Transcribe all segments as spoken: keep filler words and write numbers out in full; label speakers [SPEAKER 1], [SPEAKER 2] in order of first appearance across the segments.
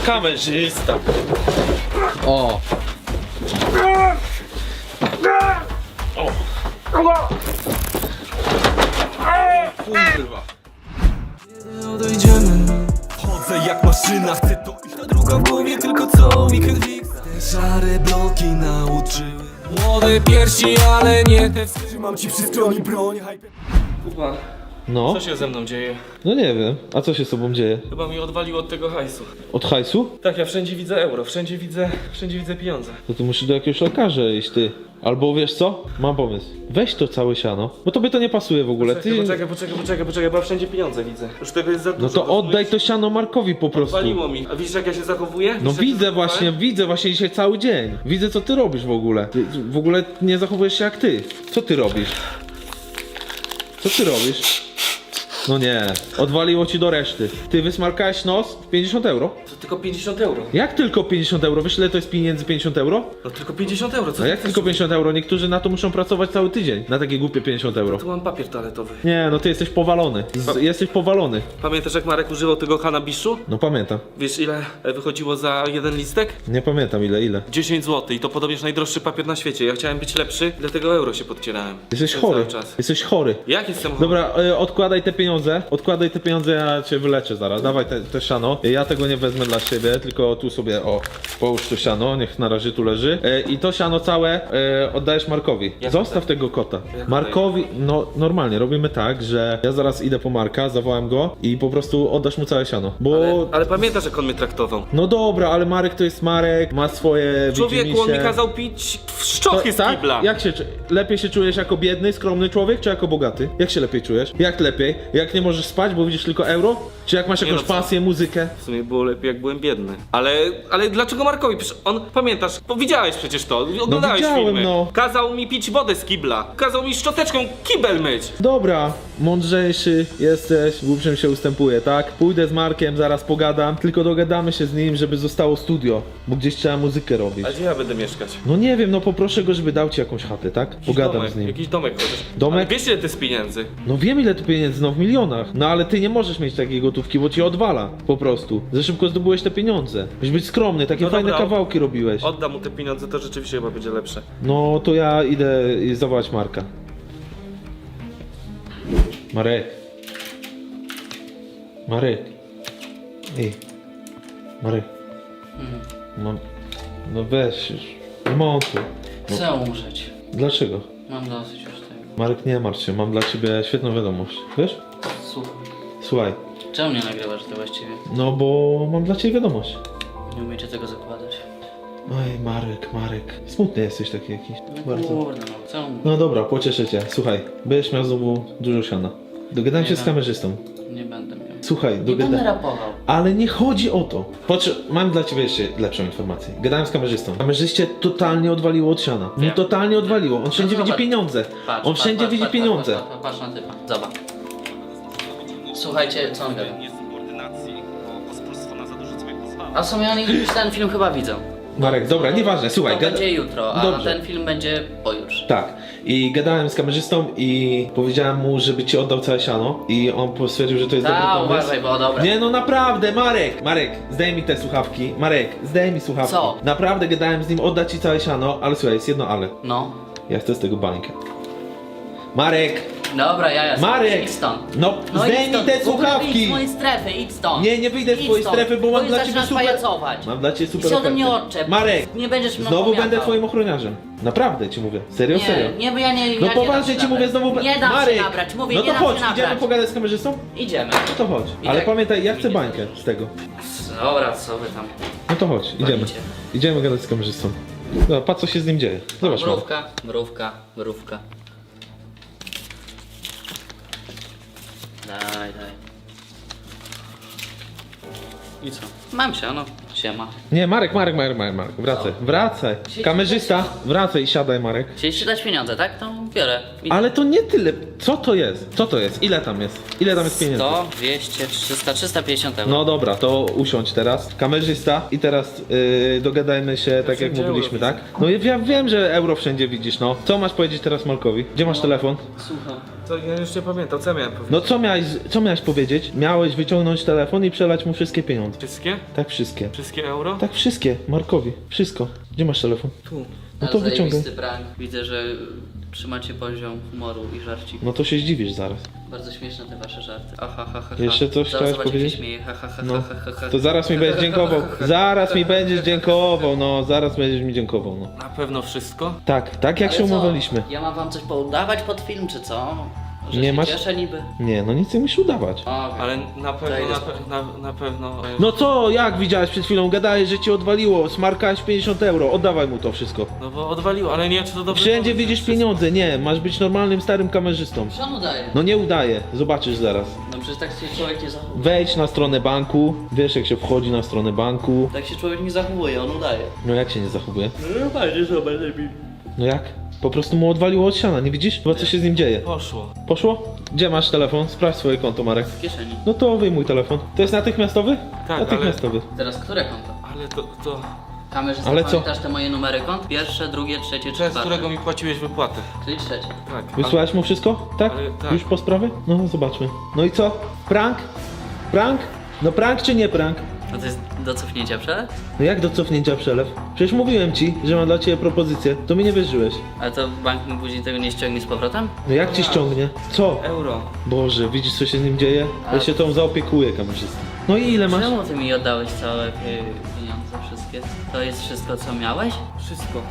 [SPEAKER 1] kamerzysta.
[SPEAKER 2] O!
[SPEAKER 1] Kurwa.
[SPEAKER 3] Odejdziemy. Chodzę jak maszyna, chcę to iść. Ta druga w głowie, tylko co weekend fix. Te szare bloki nauczyły. Młode piersi, ale nie te. Trzymam ci przy stronie broń.
[SPEAKER 1] Kuba,
[SPEAKER 2] No,
[SPEAKER 1] co się ze mną dzieje?
[SPEAKER 2] no nie wiem. A co się z tobą dzieje?
[SPEAKER 1] Chyba mi odwaliło od tego hajsu.
[SPEAKER 2] Od hajsu?
[SPEAKER 1] Tak, ja wszędzie widzę euro, wszędzie widzę, wszędzie widzę pieniądze.
[SPEAKER 2] To ty musisz do jakiegoś lekarza iść, ty. Albo wiesz co? Mam pomysł. Weź to całe siano, bo tobie to nie pasuje w ogóle.
[SPEAKER 1] Poczekaj,
[SPEAKER 2] Ty...
[SPEAKER 1] poczekaj, poczekaj, poczekaj, poczekaj, bo ja wszędzie pieniądze widzę. Już tego jest za dużo.
[SPEAKER 2] No to
[SPEAKER 1] rozumiesz?
[SPEAKER 2] oddaj to siano Markowi po prostu.
[SPEAKER 1] Odwaliło mi. A widzisz jak ja się zachowuję?
[SPEAKER 2] No
[SPEAKER 1] Widzisz, jak się
[SPEAKER 2] widzę
[SPEAKER 1] zachowałem?
[SPEAKER 2] właśnie, widzę właśnie dzisiaj cały dzień. Widzę co ty robisz w ogóle. Ty w ogóle nie zachowujesz się jak ty. Co ty robisz? Co ty robisz? No nie, odwaliło ci do reszty. Ty wysmarkałeś nos w pięćdziesiąt euro?
[SPEAKER 1] To tylko pięćdziesiąt euro.
[SPEAKER 2] Jak tylko pięćdziesiąt euro? Wiesz ile to jest pieniędzy pięćdziesiąt euro?
[SPEAKER 1] No tylko pięćdziesiąt euro, co
[SPEAKER 2] No
[SPEAKER 1] ty
[SPEAKER 2] jak
[SPEAKER 1] chcesz?
[SPEAKER 2] tylko pięćdziesiąt euro? Niektórzy na to muszą pracować cały tydzień. Na takie głupie pięćdziesiąt euro.
[SPEAKER 1] Tu mam papier toaletowy.
[SPEAKER 2] Nie, no ty jesteś powalony. Z, jesteś powalony.
[SPEAKER 1] Pamiętasz jak Marek używał tego kanabiszu?
[SPEAKER 2] No pamiętam.
[SPEAKER 1] Wiesz ile e, wychodziło za jeden listek?
[SPEAKER 2] Nie pamiętam ile, ile.
[SPEAKER 1] dziesięć złotych i to podobnież najdroższy papier na świecie. Ja chciałem być lepszy, dlatego euro się podcierałem.
[SPEAKER 2] Jesteś
[SPEAKER 1] Przez
[SPEAKER 2] chory.
[SPEAKER 1] cały czas.
[SPEAKER 2] Jesteś chory.
[SPEAKER 1] Jak jestem chory?
[SPEAKER 2] Dobra, y, odkładaj te pieniądze. Odkładaj te pieniądze, ja cię wyleczę zaraz. Dawaj te, te siano. Ja tego nie wezmę dla siebie, tylko tu sobie, o, połóż to siano, niech na razie tu leży. Y, I to siano całe y, oddajesz Markowi.
[SPEAKER 1] Jak
[SPEAKER 2] Zostaw
[SPEAKER 1] oddaję?
[SPEAKER 2] tego kota.
[SPEAKER 1] Jak
[SPEAKER 2] Markowi, no normalnie, robimy tak, że ja zaraz idę po Marka, zawołam go i po prostu oddasz mu całe siano. Bo...
[SPEAKER 1] Ale, ale pamiętasz jak on mnie traktował?
[SPEAKER 2] No dobra, ale Marek to jest Marek, ma swoje
[SPEAKER 1] Człowieku, on mi
[SPEAKER 2] widzimisię.
[SPEAKER 1] kazał pić w szczochy z
[SPEAKER 2] tak?
[SPEAKER 1] kibla.
[SPEAKER 2] Jak się czu- lepiej się czujesz jako biedny, skromny człowiek, czy jako bogaty? Jak się lepiej czujesz? Jak lepiej? Jak nie możesz spać, bo widzisz tylko euro? Czy jak masz
[SPEAKER 1] Nie
[SPEAKER 2] jakąś
[SPEAKER 1] no, co?
[SPEAKER 2] pasję, muzykę?
[SPEAKER 1] W sumie było lepiej jak byłem biedny. Ale, ale dlaczego Markowi? Przecież on, pamiętasz, bo widziałeś przecież to, oglądałeś
[SPEAKER 2] widziałem,
[SPEAKER 1] filmy.
[SPEAKER 2] no.
[SPEAKER 1] Kazał mi pić wodę z kibla. Kazał mi szczoteczką kibel myć.
[SPEAKER 2] Dobra, mądrzejszy jesteś, głupszym się ustępuje, tak? Pójdę z Markiem, zaraz pogadam, tylko dogadamy się z nim, żeby zostało studio, bo gdzieś trzeba muzykę robić.
[SPEAKER 1] A gdzie ja będę mieszkać?
[SPEAKER 2] No nie wiem, no poproszę go, żeby dał ci jakąś chatę, tak?
[SPEAKER 1] Jakiś
[SPEAKER 2] Pogadam
[SPEAKER 1] domek,
[SPEAKER 2] z nim.
[SPEAKER 1] Jakiś domek chociaż.
[SPEAKER 2] Domek?
[SPEAKER 1] Ale wiesz ile to jest pieniędzy?
[SPEAKER 2] No wiem ile to pieniędzy, no w milionach. No ale ty nie możesz mieć takiej gotówki, bo ci odwala po prostu. Za szybko zdobyłeś te pieniądze. Musisz być skromny, takie
[SPEAKER 1] No
[SPEAKER 2] fajne
[SPEAKER 1] dobra,
[SPEAKER 2] kawałki robiłeś.
[SPEAKER 1] Oddam mu te pieniądze, to rzeczywiście chyba będzie lepsze.
[SPEAKER 2] No to ja idę i zawołać Marka. Marek. Marek. Ej. Marek. Mam... No weź już. Nie montuj.
[SPEAKER 4] Chcę umrzeć.
[SPEAKER 2] Dlaczego?
[SPEAKER 4] Mam dosyć już tego.
[SPEAKER 2] Marek, nie martw się, mam dla ciebie świetną wiadomość. Wiesz?
[SPEAKER 4] Słuchaj.
[SPEAKER 2] Słuchaj.
[SPEAKER 4] Czemu nie nagrywasz ty właściwie?
[SPEAKER 2] No bo mam dla ciebie wiadomość.
[SPEAKER 4] Nie umiecie tego zakładać.
[SPEAKER 2] Oj, Marek, Marek. Smutny jesteś taki jakiś.
[SPEAKER 4] No
[SPEAKER 2] Bardzo.
[SPEAKER 4] kurde no, chcę umrzeć.
[SPEAKER 2] No dobra, pocieszę cię. Słuchaj, będziesz miał znowu dużo siana. Dogadałem
[SPEAKER 4] Nie
[SPEAKER 2] się z
[SPEAKER 4] no.
[SPEAKER 2] kamerzystą.
[SPEAKER 4] Nie będę miał.
[SPEAKER 2] Słuchaj,
[SPEAKER 4] Nie będę
[SPEAKER 2] dogadałem.
[SPEAKER 4] rapował.
[SPEAKER 2] Ale nie chodzi o to. Potrze- mam dla ciebie jeszcze lepszą informację. Gadałem z kamerzystą. Kamerzyście totalnie odwaliło od siana. No
[SPEAKER 4] Wiem.
[SPEAKER 2] totalnie odwaliło. On wszędzie
[SPEAKER 4] zobacz.
[SPEAKER 2] widzi pieniądze.
[SPEAKER 4] Patrz,
[SPEAKER 2] On
[SPEAKER 4] patrz,
[SPEAKER 2] wszędzie
[SPEAKER 4] patrz,
[SPEAKER 2] widzi
[SPEAKER 4] patrz,
[SPEAKER 2] pieniądze.
[SPEAKER 4] Patrz, patrz, patrz na typa. Zobacz. Słuchajcie, co on gada.
[SPEAKER 5] Niesubordynacji, bo pospólstwo na zadużyctwie pozwala.
[SPEAKER 4] A w sumie oni ten film chyba widzą.
[SPEAKER 2] Marek, dobra, nieważne, słuchaj.
[SPEAKER 4] To
[SPEAKER 2] gada-
[SPEAKER 4] będzie jutro, a
[SPEAKER 2] Dobrze.
[SPEAKER 4] ten film będzie pojutrze.
[SPEAKER 2] Tak. I gadałem z kamerzystą i powiedziałem mu, żeby ci oddał całe siano. I on stwierdził, że to jest dobry
[SPEAKER 4] Ta,
[SPEAKER 2] pomysł.
[SPEAKER 4] uważaj, bo dobra.
[SPEAKER 2] Nie no naprawdę, Marek! Marek, zdejmij mi te słuchawki. Marek, zdejmij mi słuchawki.
[SPEAKER 4] Co?
[SPEAKER 2] Naprawdę gadałem z nim, oddać ci całe siano, ale słuchaj, jest jedno ale.
[SPEAKER 4] No.
[SPEAKER 2] Ja chcę z tego bańkę. Marek!
[SPEAKER 4] Dobra, ja jestem.
[SPEAKER 2] Marek!
[SPEAKER 4] Idź stąd.
[SPEAKER 2] No,
[SPEAKER 4] No idź
[SPEAKER 2] zdejmij
[SPEAKER 4] stąd.
[SPEAKER 2] te
[SPEAKER 4] W ogóle Idź
[SPEAKER 2] słuchawki!
[SPEAKER 4] z mojej strefy, idź stąd.
[SPEAKER 2] Nie, nie wyjdę z
[SPEAKER 4] Idź
[SPEAKER 2] twojej
[SPEAKER 4] stąd.
[SPEAKER 2] strefy, bo mam
[SPEAKER 4] Bo
[SPEAKER 2] dla
[SPEAKER 4] już
[SPEAKER 2] ciebie
[SPEAKER 4] zaczynasz
[SPEAKER 2] super...
[SPEAKER 4] pajacować.
[SPEAKER 2] Mam dla ciebie super
[SPEAKER 4] I się ode mnie
[SPEAKER 2] ofertę.
[SPEAKER 4] odczep.
[SPEAKER 2] Marek!
[SPEAKER 4] Nie będziesz mną
[SPEAKER 2] Znowu
[SPEAKER 4] pomiatał.
[SPEAKER 2] będę twoim ochroniarzem. Naprawdę ci mówię. Serio,
[SPEAKER 4] Nie,
[SPEAKER 2] serio.
[SPEAKER 4] nie, bo ja nie.
[SPEAKER 2] No
[SPEAKER 4] ja
[SPEAKER 2] poważnie
[SPEAKER 4] nie
[SPEAKER 2] ci
[SPEAKER 4] dam się
[SPEAKER 2] mówię, znowu...
[SPEAKER 4] nabrać. Nie dam
[SPEAKER 2] Marek!
[SPEAKER 4] się nabrać, mówię,
[SPEAKER 2] no
[SPEAKER 4] nie
[SPEAKER 2] to
[SPEAKER 4] dam
[SPEAKER 2] chodź,
[SPEAKER 4] się nabrać.
[SPEAKER 2] idziemy pogadać z kamerzystą?
[SPEAKER 4] Idziemy.
[SPEAKER 2] No to chodź.
[SPEAKER 4] I
[SPEAKER 2] Ale
[SPEAKER 4] tak-
[SPEAKER 2] pamiętaj, ja chcę
[SPEAKER 4] idziemy.
[SPEAKER 2] bańkę z tego.
[SPEAKER 4] Dobra, co wy tam?
[SPEAKER 2] No to chodź, idziemy.
[SPEAKER 4] Walicie.
[SPEAKER 2] Idziemy gadać z kamerzystą. No, patrz co się z nim dzieje. Zobacz, Marek.
[SPEAKER 4] Mrówka, mrówka, mrówka. Daj, daj. I co? Mam się, no. Siema.
[SPEAKER 2] Nie, Marek, Marek, Marek, Marek, Marek. Wracaj, wracaj. Kamerzysta, wracaj i siadaj, Marek.
[SPEAKER 4] Chcieliście dać pieniądze, tak? To biorę. I
[SPEAKER 2] Ale to nie tyle. Co to jest? Co to jest? Ile tam jest? Ile tam jest pieniędzy?
[SPEAKER 4] sto, dwieście, trzysta, trzysta pięćdziesiąt euro.
[SPEAKER 2] No dobra, to usiądź teraz. Kamerzysta i teraz yy, dogadajmy się tak jak
[SPEAKER 1] wszędzie
[SPEAKER 2] mówiliśmy,
[SPEAKER 1] euro
[SPEAKER 2] tak? No ja wiem, że euro wszędzie widzisz, no. Co masz powiedzieć teraz Markowi? Gdzie masz telefon?
[SPEAKER 4] Słucham.
[SPEAKER 1] to ja już nie pamiętam, co ja miałem powiedzieć.
[SPEAKER 2] No co miałeś, co miałeś powiedzieć? Miałeś wyciągnąć telefon i przelać mu wszystkie pieniądze.
[SPEAKER 1] Wszystkie?
[SPEAKER 2] Tak, wszystkie.
[SPEAKER 1] Wszystkie euro?
[SPEAKER 2] Tak, wszystkie. Markowi. Wszystko. Gdzie masz telefon?
[SPEAKER 1] Tu.
[SPEAKER 2] No to wyciągaj.
[SPEAKER 4] Zajebisty prank. Widzę, że trzymacie poziom humoru i żarci.
[SPEAKER 2] No to się zdziwisz zaraz.
[SPEAKER 4] Bardzo śmieszne te wasze żarty. Aha, ha, ha, ha.
[SPEAKER 2] Jeszcze coś
[SPEAKER 4] Zaraz
[SPEAKER 2] chciałeś
[SPEAKER 4] zobacz, jak
[SPEAKER 2] powiedzieć?
[SPEAKER 4] się śmieje. Ha, ha, ha,
[SPEAKER 2] No.
[SPEAKER 4] ha, ha, ha.
[SPEAKER 2] To zaraz mi będziesz dziękował. Zaraz mi będziesz dziękował, no. Zaraz będziesz mi dziękował, no.
[SPEAKER 1] Na pewno wszystko?
[SPEAKER 2] Tak, tak jak
[SPEAKER 4] Ale
[SPEAKER 2] się
[SPEAKER 4] co?
[SPEAKER 2] umawialiśmy.
[SPEAKER 4] Ja mam wam coś poudawać pod film, czy co? Że
[SPEAKER 2] Nie
[SPEAKER 4] się
[SPEAKER 2] masz-
[SPEAKER 4] cieszę niby?
[SPEAKER 2] Nie, no nic nie musisz udawać.
[SPEAKER 4] Okej.
[SPEAKER 1] Ale na pewno,
[SPEAKER 4] idę
[SPEAKER 1] na,
[SPEAKER 4] spać.
[SPEAKER 1] pe na, na pewno... e,
[SPEAKER 2] No co, jak widziałeś przed chwilą? Gadałeś, że ci odwaliło. Smarkałeś pięćdziesiąt euro. Oddawaj mu to wszystko.
[SPEAKER 1] No bo odwaliło, ale nie wiem, czy to dobrze...
[SPEAKER 2] Wszędzie
[SPEAKER 1] pomysł
[SPEAKER 2] widzisz
[SPEAKER 1] jest.
[SPEAKER 2] pieniądze. Nie, masz być normalnym, starym kamerzystą.
[SPEAKER 4] Co on udaje?
[SPEAKER 2] No nie udaje. Zobaczysz zaraz.
[SPEAKER 4] No przecież tak się człowiek nie zachowuje.
[SPEAKER 2] Wejdź na stronę banku. Wiesz jak się wchodzi na stronę banku.
[SPEAKER 4] Tak się człowiek nie zachowuje, on udaje.
[SPEAKER 2] No jak się nie zachowuje?
[SPEAKER 4] No fajnie, zobacz, lepiej.
[SPEAKER 2] No jak? Po prostu mu odwaliło od siana, nie widzisz? Chyba co się z nim dzieje.
[SPEAKER 1] Poszło.
[SPEAKER 2] Poszło? Gdzie masz telefon? Sprawdź swoje konto, Marek.
[SPEAKER 4] W kieszeni.
[SPEAKER 2] No to wyjmuj telefon. To jest natychmiastowy?
[SPEAKER 1] Tak,
[SPEAKER 2] Natychmiastowy.
[SPEAKER 4] Teraz które konto?
[SPEAKER 1] Ale to... to...
[SPEAKER 4] Kamerzysta,
[SPEAKER 2] Ale co?
[SPEAKER 4] pamiętasz te moje numery kont? Pierwsze, drugie, trzecie,
[SPEAKER 1] Przez
[SPEAKER 4] czwarte.
[SPEAKER 1] którego mi płaciłeś wypłatę.
[SPEAKER 4] Czyli trzecie.
[SPEAKER 1] Tak.
[SPEAKER 2] Wysłałeś mu wszystko? Tak?
[SPEAKER 1] Ale tak.
[SPEAKER 2] Już po sprawie? No zobaczmy. No i co? Prank? Prank? No prank czy nie prank?
[SPEAKER 4] No to jest do cofnięcia przelew?
[SPEAKER 2] No jak do cofnięcia przelew? Przecież mówiłem ci, że mam dla ciebie propozycję. To mi nie wierzyłeś.
[SPEAKER 4] Ale to bank mi później tego nie ściągnie z powrotem?
[SPEAKER 2] No jak ci ściągnie? Co?
[SPEAKER 1] Euro.
[SPEAKER 2] Boże, widzisz co się z nim dzieje? Ja się tą zaopiekuję kamerzysta. No i ile masz?
[SPEAKER 4] Czemu ty mi oddałeś całe pie- pieniądze wszystkie? To jest wszystko co miałeś?
[SPEAKER 1] Wszystko.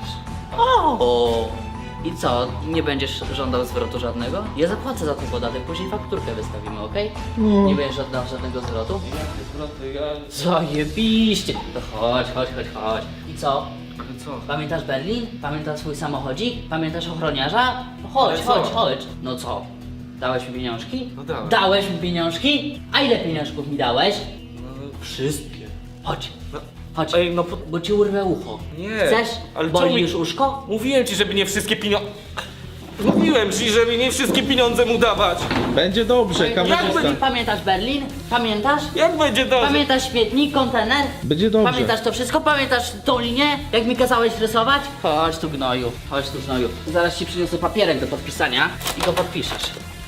[SPEAKER 4] O! I co? Nie będziesz żądał zwrotu żadnego? Ja zapłacę za ten podatek, później fakturkę wystawimy, okej?
[SPEAKER 2] No.
[SPEAKER 4] Nie będziesz żądał żadnego zwrotu?
[SPEAKER 1] Jakie zwroty, ja...
[SPEAKER 4] Zajebiście! To chodź, chodź, chodź, chodź. I co?
[SPEAKER 1] Ale co?
[SPEAKER 4] Pamiętasz Berlin? Pamiętasz swój samochodzik? Pamiętasz ochroniarza? No chodź,
[SPEAKER 1] Ale co?
[SPEAKER 4] chodź, chodź. No co? Dałeś mi pieniążki?
[SPEAKER 1] No dałem.
[SPEAKER 4] Dałeś mi pieniążki? A ile pieniążków mi dałeś?
[SPEAKER 1] No,
[SPEAKER 4] Wszystkie. Chodź,
[SPEAKER 1] no,
[SPEAKER 4] chodź.
[SPEAKER 1] Ej, no po...
[SPEAKER 4] Bo ci urwę ucho.
[SPEAKER 1] Nie.
[SPEAKER 4] Chcesz?
[SPEAKER 1] Ale
[SPEAKER 4] Boli
[SPEAKER 1] czemu mi-
[SPEAKER 4] już uszko?
[SPEAKER 1] Mówiłem ci, żeby nie wszystkie pieniądze... Mówiłem ci, żeby nie wszystkie pieniądze mu dawać.
[SPEAKER 2] Będzie dobrze,
[SPEAKER 4] Jak
[SPEAKER 2] kamerzysta.
[SPEAKER 4] będzie, pamiętasz Berlin? Pamiętasz?
[SPEAKER 1] Jak będzie dobrze?
[SPEAKER 4] Pamiętasz śmietnik, kontener?
[SPEAKER 2] Będzie dobrze.
[SPEAKER 4] Pamiętasz to wszystko? Pamiętasz tą linię? Jak mi kazałeś rysować? Chodź tu gnoju, chodź tu gnoju. Zaraz ci przyniosę papierek do podpisania i go podpiszesz.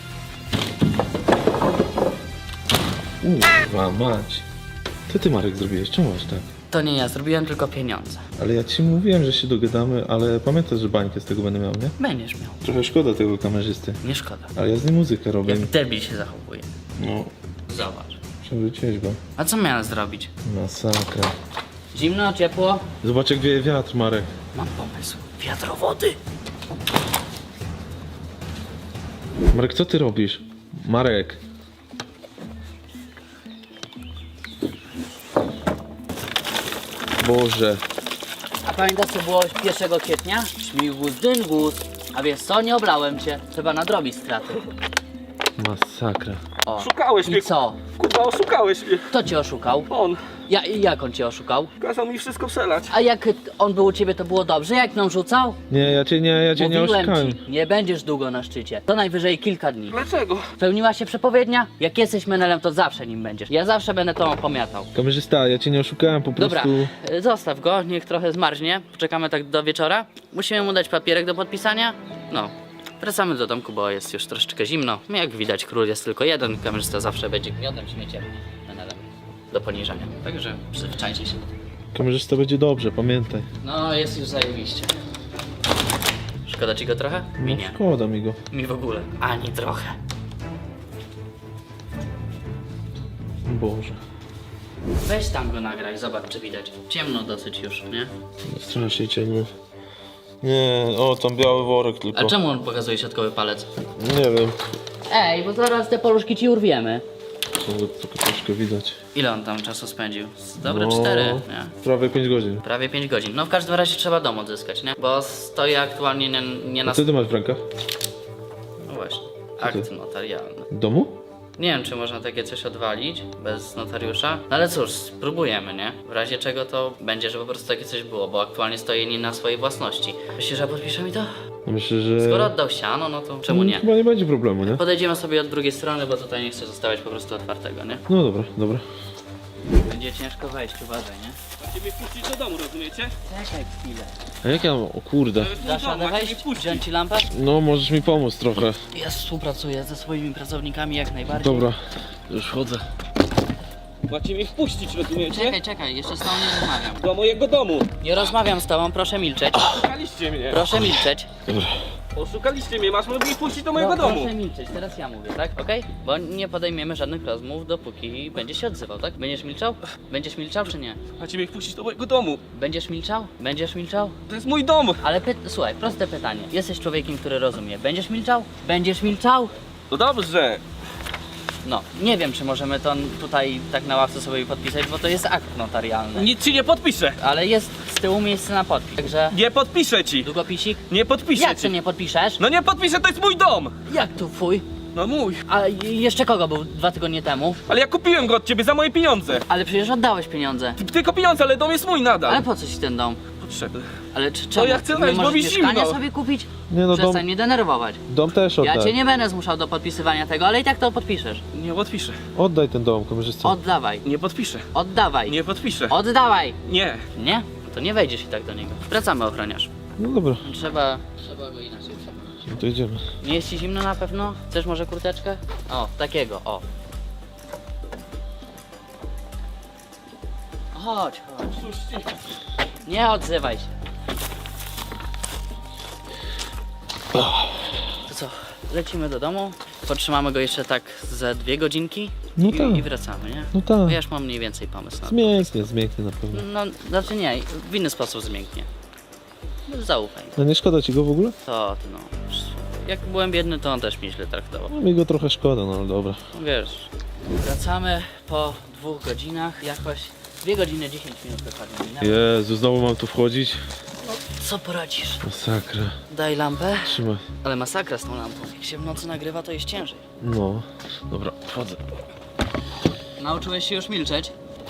[SPEAKER 2] Uwa, mać. Co ty Marek zrobiłeś? Czemu aż tak?
[SPEAKER 4] To nie ja, zrobiłem tylko pieniądze.
[SPEAKER 2] Ale ja ci mówiłem, że się dogadamy, ale pamiętasz, że bańkę z tego będę miał, nie?
[SPEAKER 4] Będziesz miał.
[SPEAKER 2] Trochę szkoda tego kamerzysty.
[SPEAKER 4] Nie szkoda.
[SPEAKER 2] Ale ja z nim muzykę robię.
[SPEAKER 4] Jak debil się zachowuje.
[SPEAKER 2] No,
[SPEAKER 4] Zobacz.
[SPEAKER 2] przewróciłeś go.
[SPEAKER 4] A co miałem zrobić?
[SPEAKER 2] Masakra.
[SPEAKER 4] Zimno, ciepło?
[SPEAKER 2] Zobacz jak wieje wiatr, Marek.
[SPEAKER 4] Mam pomysł. Wiatrowody.
[SPEAKER 2] Marek, co ty robisz? Marek. Boże.
[SPEAKER 4] A pamiętasz co było pierwszego kwietnia? Śmigus, dyngus. A wiesz co? Nie oblałem cię. Trzeba nadrobić straty.
[SPEAKER 2] Masakra.
[SPEAKER 4] O.
[SPEAKER 1] Szukałeś
[SPEAKER 4] I
[SPEAKER 1] mnie.
[SPEAKER 4] co?
[SPEAKER 1] Kurwa, oszukałeś mnie.
[SPEAKER 4] Kto cię oszukał?
[SPEAKER 1] On.
[SPEAKER 4] Ja, jak on cię oszukał?
[SPEAKER 1] Kazał mi wszystko przelać.
[SPEAKER 4] A jak on był u ciebie, to było dobrze? Jak nam rzucał?
[SPEAKER 2] Nie, ja cię nie, ja cię nie
[SPEAKER 4] Mówiłem
[SPEAKER 2] oszukałem.
[SPEAKER 4] ci, nie będziesz długo na szczycie. To najwyżej kilka dni.
[SPEAKER 1] Dlaczego?
[SPEAKER 4] Spełniła się przepowiednia? Jak jesteś menelem, to zawsze nim będziesz. Ja zawsze będę to opomiatał.
[SPEAKER 2] Kamerzysta, ja cię nie oszukałem, po
[SPEAKER 4] Dobra,
[SPEAKER 2] prostu...
[SPEAKER 4] y, zostaw go, niech trochę zmarznie. Poczekamy tak do wieczora. Musimy mu dać papierek do podpisania. No, wracamy do domku, bo jest już troszeczkę zimno. Jak widać, król jest tylko jeden. Kamerzysta zawsze będzie gniodem, śmieciem, menelem do poniżania. Także przyzwyczajcie się do tego.
[SPEAKER 2] Kamerzysta będzie dobrze, pamiętaj.
[SPEAKER 4] No, jest już zajebiście. Szkoda ci go trochę? Mi
[SPEAKER 2] No
[SPEAKER 4] nie.
[SPEAKER 2] szkoda mi go.
[SPEAKER 4] Mi w ogóle. Ani trochę.
[SPEAKER 2] Boże.
[SPEAKER 4] Weź tam go nagraj, zobacz czy widać. Ciemno dosyć już, nie?
[SPEAKER 2] Strasznie ciemno. Nie, o tam biały worek tylko.
[SPEAKER 4] A czemu on pokazuje środkowy palec?
[SPEAKER 2] Nie wiem.
[SPEAKER 4] Ej, bo zaraz te poluszki ci urwiemy.
[SPEAKER 2] Tylko tylko troszkę widać.
[SPEAKER 4] Ile on tam czasu spędził? Z Dobre
[SPEAKER 2] No,
[SPEAKER 4] cztery, nie?
[SPEAKER 2] Prawie pięć godzin.
[SPEAKER 4] Prawie pięć godzin. No w każdym razie trzeba dom odzyskać, nie? Bo stoi aktualnie nie, nie
[SPEAKER 2] A
[SPEAKER 4] na...
[SPEAKER 2] co ty masz w rękach?
[SPEAKER 4] No właśnie.
[SPEAKER 2] Co ty?
[SPEAKER 4] Akt notarialny.
[SPEAKER 2] W domu?
[SPEAKER 4] Nie wiem, czy można takie coś odwalić bez notariusza. No ale cóż, spróbujemy, nie? W razie czego to będzie, że po prostu takie coś było, bo aktualnie stoi nie na swojej własności. Myślisz, że podpisze mi to?
[SPEAKER 2] No myślę, że...
[SPEAKER 4] Skoro oddał siano, no to czemu nie?
[SPEAKER 2] Chyba nie będzie problemu, nie?
[SPEAKER 4] Podejdziemy sobie od drugiej strony, bo tutaj nie chcę zostawiać po prostu otwartego, nie?
[SPEAKER 2] No dobra, dobra.
[SPEAKER 4] Będzie ciężko wejść, uważaj, nie?
[SPEAKER 1] Macie mnie wpuścić do domu, rozumiecie?
[SPEAKER 4] Czekaj chwilę.
[SPEAKER 2] A jak ja mam, o kurde.
[SPEAKER 1] To jest mój
[SPEAKER 4] Dasz
[SPEAKER 1] dom,
[SPEAKER 4] radę
[SPEAKER 1] macie mnie
[SPEAKER 4] wejść?
[SPEAKER 1] wpuścić.
[SPEAKER 4] Wziąć ci lampę?
[SPEAKER 2] No, możesz mi pomóc trochę.
[SPEAKER 4] Ja współpracuję ze swoimi pracownikami jak najbardziej.
[SPEAKER 2] Dobra, już chodzę.
[SPEAKER 1] Macie mnie wpuścić, rozumiecie?
[SPEAKER 4] Czekaj, czekaj, jeszcze z tobą nie rozmawiam.
[SPEAKER 1] Do mojego domu.
[SPEAKER 4] Nie rozmawiam z tobą, proszę milczeć.
[SPEAKER 1] Oszukaliście mnie.
[SPEAKER 4] Proszę milczeć.
[SPEAKER 1] Oszukaliście mnie, masz mnie wpuścić do mojego
[SPEAKER 4] No,
[SPEAKER 1] domu.
[SPEAKER 4] proszę milczeć, teraz ja mówię, tak? Okej? Bo nie podejmiemy żadnych rozmów, dopóki będzie się odzywał, tak? Będziesz milczał? Będziesz milczał czy nie?
[SPEAKER 1] Macie mnie wpuścić do mojego domu.
[SPEAKER 4] Będziesz milczał? Będziesz milczał?
[SPEAKER 1] To jest mój dom.
[SPEAKER 4] Ale py... słuchaj, proste pytanie. Jesteś człowiekiem, który rozumie. Będziesz milczał? Będziesz milczał?
[SPEAKER 1] No dobrze.
[SPEAKER 4] No, nie wiem, czy możemy to tutaj tak na ławce sobie podpisać, bo to jest akt notarialny.
[SPEAKER 1] Nic ci nie podpiszę.
[SPEAKER 4] Ale jest z tyłu miejsce na podpis, także...
[SPEAKER 1] Nie podpiszę ci.
[SPEAKER 4] Długopisik?
[SPEAKER 1] Nie podpiszę
[SPEAKER 4] Jak
[SPEAKER 1] ci.
[SPEAKER 4] ty nie podpiszesz?
[SPEAKER 1] No nie podpiszę, to jest mój dom.
[SPEAKER 4] Jak tu twój?
[SPEAKER 1] No mój.
[SPEAKER 4] A jeszcze kogo był dwa tygodnie temu?
[SPEAKER 1] Ale ja kupiłem go od ciebie za moje pieniądze.
[SPEAKER 4] Ale przecież oddałeś pieniądze.
[SPEAKER 1] Tylko pieniądze, ale dom jest mój nadal.
[SPEAKER 4] Ale po co ci ten dom?
[SPEAKER 1] Potrzebny.
[SPEAKER 4] Ale czy czemu?
[SPEAKER 1] ja chcę
[SPEAKER 4] Nie
[SPEAKER 1] wejść, bo
[SPEAKER 4] możesz
[SPEAKER 1] mi
[SPEAKER 4] mieszkania
[SPEAKER 1] zimno.
[SPEAKER 4] sobie kupić?
[SPEAKER 2] Nie no, dom,
[SPEAKER 4] Przestań mnie denerwować.
[SPEAKER 2] dom też
[SPEAKER 4] Ja
[SPEAKER 2] oddaj.
[SPEAKER 4] cię nie będę zmuszał do podpisywania tego, ale i tak to podpiszesz.
[SPEAKER 1] Nie podpiszę.
[SPEAKER 2] Oddaj ten dom, kamerzysta.
[SPEAKER 4] Oddawaj.
[SPEAKER 1] Nie podpiszę.
[SPEAKER 4] Oddawaj.
[SPEAKER 1] Nie podpiszę.
[SPEAKER 4] Oddawaj.
[SPEAKER 1] Nie.
[SPEAKER 4] Nie? To nie wejdziesz i tak do niego. Wracamy, ochroniarz.
[SPEAKER 2] No dobra,
[SPEAKER 4] Trzeba... Trzeba go inaczej przekonać.
[SPEAKER 2] no to idziemy.
[SPEAKER 4] Nie jest ci zimno na pewno? Chcesz może kurteczkę? O, takiego, o. Chodź, chodź. Nie odzywaj się. To co, lecimy do domu, potrzymamy go jeszcze tak ze dwie godzinki
[SPEAKER 2] No
[SPEAKER 4] i,
[SPEAKER 2] tak.
[SPEAKER 4] i wracamy, nie?
[SPEAKER 2] No tak.
[SPEAKER 4] Bo ja już mam mniej więcej pomysł na to.
[SPEAKER 2] Zmięknie, zmięknie na pewno.
[SPEAKER 4] No, znaczy nie, w inny sposób zmięknie. Zaufaj.
[SPEAKER 2] No nie szkoda ci go w ogóle?
[SPEAKER 4] To ty no. Jak byłem biedny, to on też mnie źle traktował.
[SPEAKER 2] No mi go trochę szkoda, no ale dobra.
[SPEAKER 4] Wiesz, wracamy po dwóch godzinach, jakoś dwie godziny dziesięć minut dokładnie minęło.
[SPEAKER 2] Jezu, znowu mam tu wchodzić?
[SPEAKER 4] Co poradzisz?
[SPEAKER 2] Masakra.
[SPEAKER 4] Daj lampę.
[SPEAKER 2] Trzymaj.
[SPEAKER 4] Ale masakra z tą lampą. Jak się w nocy nagrywa, to jest ciężej.
[SPEAKER 2] No. Dobra, wchodzę.
[SPEAKER 4] Nauczyłeś się już milczeć?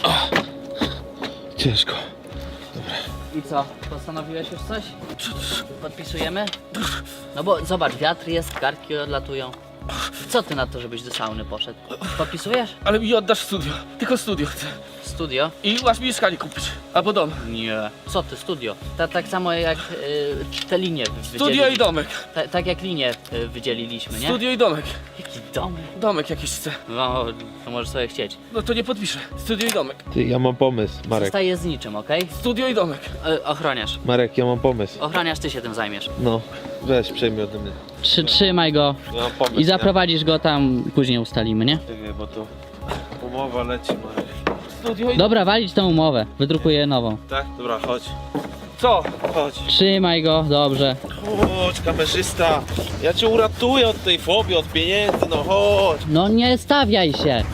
[SPEAKER 2] Ciężko.
[SPEAKER 4] I co? Postanowiłeś już coś? Podpisujemy? No bo zobacz, wiatr jest, kartki odlatują. Co ty na to, żebyś do sauny poszedł? Podpisujesz?
[SPEAKER 1] Ale mi oddasz studio. Tylko studio chcę.
[SPEAKER 4] Studio?
[SPEAKER 1] I masz mi mieszkanie kupić. Albo dom.
[SPEAKER 4] Nie. Co ty, studio? Ta, tak samo jak y, te linie wy-
[SPEAKER 1] Studio
[SPEAKER 4] wydzielili-
[SPEAKER 1] i domek.
[SPEAKER 4] Ta, tak jak linie y, wydzieliliśmy, nie?
[SPEAKER 1] Studio i domek.
[SPEAKER 4] Jaki domek?
[SPEAKER 1] Domek jakiś chcę.
[SPEAKER 4] No, to możesz sobie chcieć.
[SPEAKER 1] No to nie podpiszę. Studio i domek.
[SPEAKER 2] Ty, ja mam pomysł, Marek.
[SPEAKER 4] Zostaje z niczym, okej?
[SPEAKER 1] Studio i domek.
[SPEAKER 4] Y, ochroniarz.
[SPEAKER 2] Marek, ja mam pomysł.
[SPEAKER 4] Ochroniarz, ty się tym zajmiesz.
[SPEAKER 2] No, weź, przejmij ode mnie.
[SPEAKER 4] Trzy, trzymaj go
[SPEAKER 2] Ja mam pomysł.
[SPEAKER 4] i zaprowadzisz go tam, później ustalimy, nie?
[SPEAKER 2] Nie, bo to umowa leci, Marek.
[SPEAKER 1] Studio i...
[SPEAKER 4] Dobra, walić tą umowę. Wydrukuję nową.
[SPEAKER 2] Tak? Dobra, chodź.
[SPEAKER 1] Co?
[SPEAKER 2] Chodź.
[SPEAKER 4] Trzymaj go, dobrze.
[SPEAKER 2] Chodź, kamerzysta. Ja cię uratuję od tej fobii, od pieniędzy, no chodź.
[SPEAKER 4] No nie stawiaj się.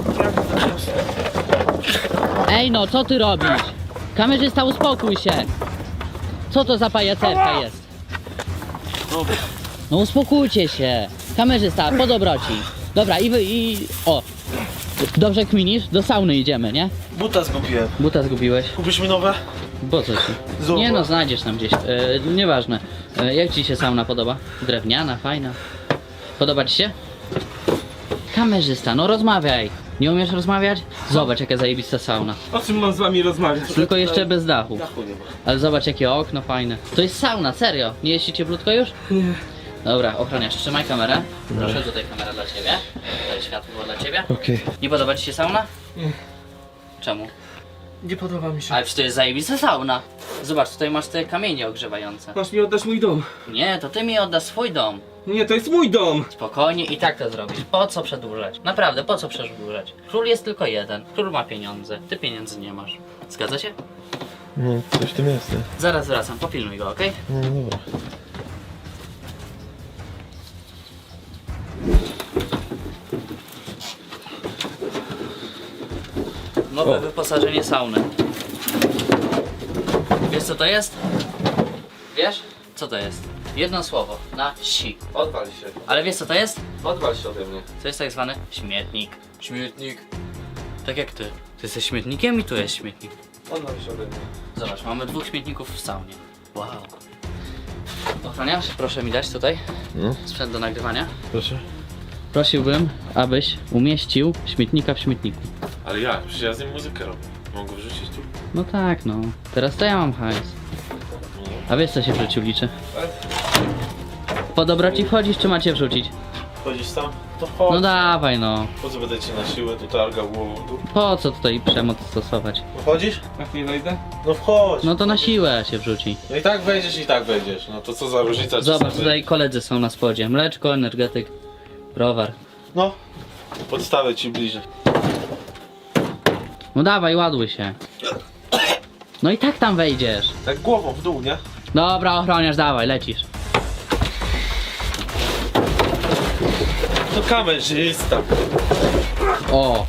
[SPEAKER 4] Ej no, co ty robisz? Kamerzysta, uspokój się. Co to za pajacerka jest?
[SPEAKER 2] Dobra.
[SPEAKER 4] No uspokójcie się. Kamerzysta, po dobroci. Dobra, i wy, i... O. Dobrze kminisz? Do sauny idziemy, nie?
[SPEAKER 2] Buta zgubiłem.
[SPEAKER 4] Buta zgubiłeś.
[SPEAKER 2] Kupisz mi nowe?
[SPEAKER 4] Po co ci?
[SPEAKER 2] Zobacz.
[SPEAKER 4] Nie no, znajdziesz tam gdzieś. E, nieważne. E, jak ci się sauna podoba? Drewniana, fajna. Podoba ci się? Kamerzysta, no rozmawiaj. Nie umiesz rozmawiać? Zobacz jaka zajebista sauna.
[SPEAKER 1] O czym mam z wami rozmawiać?
[SPEAKER 4] Tylko jeszcze bez dachu.
[SPEAKER 2] Dachu nie ma.
[SPEAKER 4] Ale zobacz jakie okno fajne. To jest sauna, serio. Nie jest ci cieplutko już?
[SPEAKER 1] Nie.
[SPEAKER 4] Dobra, ochroniarz, trzymaj kamerę. Proszę, tutaj kamera dla ciebie. Tutaj światło dla ciebie.
[SPEAKER 2] Okej.
[SPEAKER 4] Nie podoba ci się sauna?
[SPEAKER 1] Nie.
[SPEAKER 4] Czemu?
[SPEAKER 1] Nie podoba mi się.
[SPEAKER 4] Ale przecież to jest zajebista sauna. Zobacz, tutaj masz te kamienie ogrzewające.
[SPEAKER 1] Masz mi oddać mój dom.
[SPEAKER 4] Nie, to ty mi oddasz swój dom.
[SPEAKER 1] Nie, to jest mój dom.
[SPEAKER 4] Spokojnie i tak to zrobisz. Po co przedłużać? Naprawdę, po co przedłużać? Król jest tylko jeden. Król ma pieniądze. Ty pieniędzy nie masz. Zgadza się?
[SPEAKER 2] No, coś w tym jest, nie?
[SPEAKER 4] Zaraz wracam, popilnuj go, okej?
[SPEAKER 2] No dobra.
[SPEAKER 4] Nowe
[SPEAKER 2] O.
[SPEAKER 4] wyposażenie sauny. Wiesz co to jest? Wiesz? Co to jest? Jedno słowo. Na si.
[SPEAKER 2] Odwal się.
[SPEAKER 4] Ale wiesz co to jest?
[SPEAKER 2] Odwal się ode mnie.
[SPEAKER 4] To jest tak zwany śmietnik. Śmietnik. Tak jak ty. Ty jesteś śmietnikiem i tu jest śmietnik.
[SPEAKER 2] Odwal się ode mnie.
[SPEAKER 4] Zobacz, mamy dwóch śmietników w saunie. Wow. Ochroniarz, proszę mi dać tutaj
[SPEAKER 2] No,
[SPEAKER 4] sprzęt do nagrywania.
[SPEAKER 2] proszę.
[SPEAKER 4] prosiłbym, abyś umieścił śmietnika w śmietniku.
[SPEAKER 2] Ale jak? Przecież ja z nim muzykę robię. Mogę wrzucić tu?
[SPEAKER 4] No tak, no. Teraz to ja mam hajs. A wiesz, co się w życiu liczy? Po dobroci wchodzisz, czy macie wrzucić?
[SPEAKER 2] Chodzisz tam? To chodź.
[SPEAKER 4] No dawaj, no.
[SPEAKER 2] Po co będę cię na siłę tu targał głową w dół?
[SPEAKER 4] Po co tutaj przemoc stosować?
[SPEAKER 2] No wchodzisz?
[SPEAKER 1] Jak nie wejdę?
[SPEAKER 2] No wchodź.
[SPEAKER 4] No to na siłę się wrzuci.
[SPEAKER 2] No i tak wejdziesz i tak wejdziesz. No to co za różnica? czy
[SPEAKER 4] Zobacz,
[SPEAKER 2] sobie-
[SPEAKER 4] tutaj koledzy są na spodzie. Mleczko, energetyk, browar.
[SPEAKER 2] No. Podstawę ci bliżej.
[SPEAKER 4] No dawaj, ładuj się. No i tak tam wejdziesz.
[SPEAKER 2] Tak głową w dół, nie?
[SPEAKER 4] Dobra, ochroniarz, dawaj, lecisz.
[SPEAKER 2] To kamerzysta.
[SPEAKER 4] O,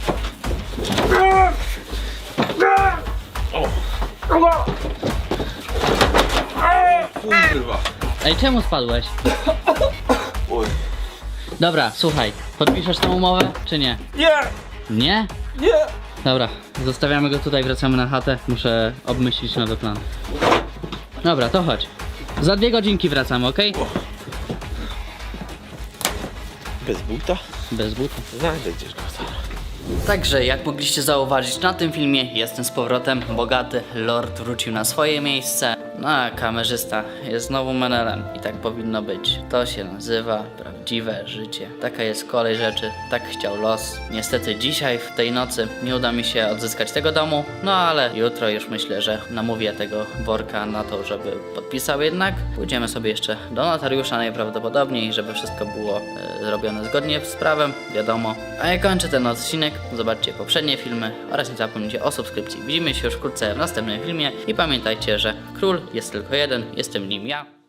[SPEAKER 2] Kurwa.
[SPEAKER 4] ej, czemu spadłeś?
[SPEAKER 2] Oj.
[SPEAKER 4] Dobra, słuchaj, podpiszesz tą umowę, czy nie?
[SPEAKER 2] Nie!
[SPEAKER 4] Nie?
[SPEAKER 2] Nie!
[SPEAKER 4] Dobra, zostawiamy go tutaj, wracamy na chatę. Muszę obmyślić nowy plan. Dobra, to chodź. Za dwie godzinki wracamy, okej?
[SPEAKER 2] Bez buta?
[SPEAKER 4] Bez buta.
[SPEAKER 2] Znajdę gdzieś go.
[SPEAKER 4] Także jak mogliście zauważyć na tym filmie, jestem z powrotem. Bogaty lord wrócił na swoje miejsce. No a kamerzysta jest znowu menelem i tak powinno być. To się nazywa prawdziwe życie. Taka jest kolej rzeczy, tak chciał los. Niestety dzisiaj w tej nocy nie uda mi się odzyskać tego domu, no ale jutro już myślę, że namówię tego worka na to, żeby podpisał jednak. Pójdziemy sobie jeszcze do notariusza najprawdopodobniej, żeby wszystko było e, zrobione zgodnie z prawem, wiadomo. A ja kończę ten odcinek, zobaczcie poprzednie filmy oraz nie zapomnijcie o subskrypcji. Widzimy się już wkrótce w następnym filmie i pamiętajcie, że król jest tylko jeden, jestem nim ja.